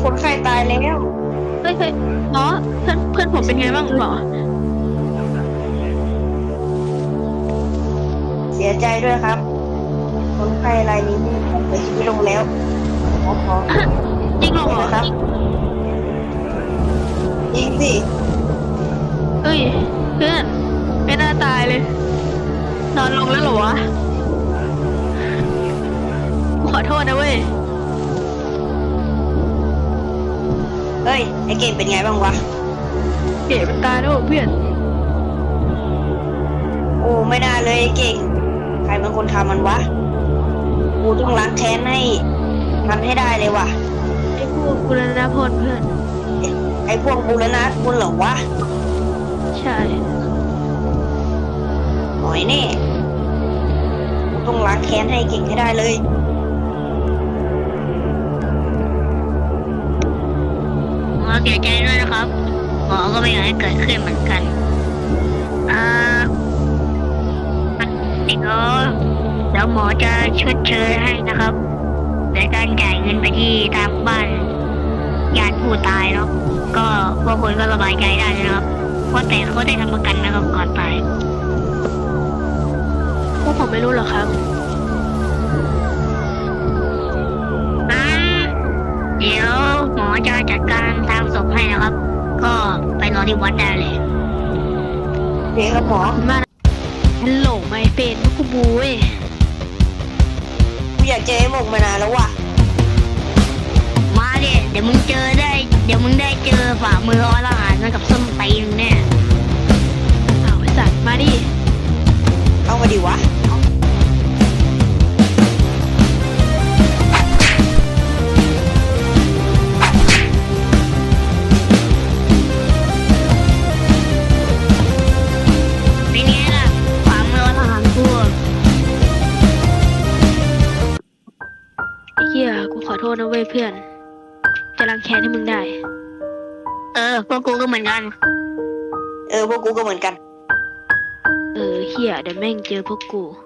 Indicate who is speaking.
Speaker 1: คนไข้ตายแล้ว
Speaker 2: เฮ้ยหมอเพื่อนผมเป็นไงบ้างหมอ
Speaker 1: เสียใจด้วยครับ คนไข้รายนี้เสียชีวิตลงแล้วขอ
Speaker 2: จริงเหรอหมอ
Speaker 1: นะครับจริงสิ
Speaker 2: เอ้ยเพื่อนไม่น่าตายเลย นอนลงแล้วเหรอวะขอโทษนะเว้ย
Speaker 1: เฮ้ยไอเก่งเป็นไงบ้างวะ
Speaker 2: เก๋มันตายแล้วเพื่อน
Speaker 1: โอ้ไม่น่าเลยไอเก่งใครเป็นคนทำมันวะกูต้องล้างแค้นให้มันให้ได้เลยว่ะ
Speaker 2: ไอ้พวกบุรณพลเพื่อน
Speaker 1: ไอพวกบูรณะคุณเหรอวะ
Speaker 2: ใช่
Speaker 1: หน่อยแน่กูต้องล้างแค้นให้เก่งให้ได้เลย
Speaker 3: หมอเสียใจด้วยนะครับหมอก็ไม่อยากให้เกิดขึ้นเหมือนกันอ่าเดี๋ยวหมอจะชดเชยให้นะครับโดยการจ่ายเงินไปที่ทางบ้านญาติผู้ตายเนาะก็พวกคุณก็สบายใจได้เลยนะครับว่าแต่เขาได้ทำประกันนะครับก่อนตาย
Speaker 2: พวกผมไม่รู้หรอกครับ
Speaker 3: อ่าเดี๋ยวหมอจะจัดการทางศพให้นะครับ ก็ไปรอที่วัดได้เลย
Speaker 1: เด็กครับหมอ
Speaker 2: มาโหลไม่เป็นพวกกูบูเว้ย
Speaker 1: กูอยากเจอไอ้หมกมานานแล้วว่ะ
Speaker 3: มาดิเดี๋ยวมึงได้เจอฝ่ามืออรหันต์กับส้มตีนแน่
Speaker 2: เอาไอ้สัตว์มาดิ
Speaker 1: เอามาดิวะ
Speaker 3: เป็นไงล่ะฝ่ามืออรหันต์กู
Speaker 2: ไอ้เหี้ยกูขอโทษนะเว้ยเพื่อน จะรังแค้นให้มึงได้
Speaker 3: พวกกูก็เหมือนกัน
Speaker 1: พวกกูก็เหมือนกัน
Speaker 2: เหี้ยเดี๋ยวแม่งเจอพวกกู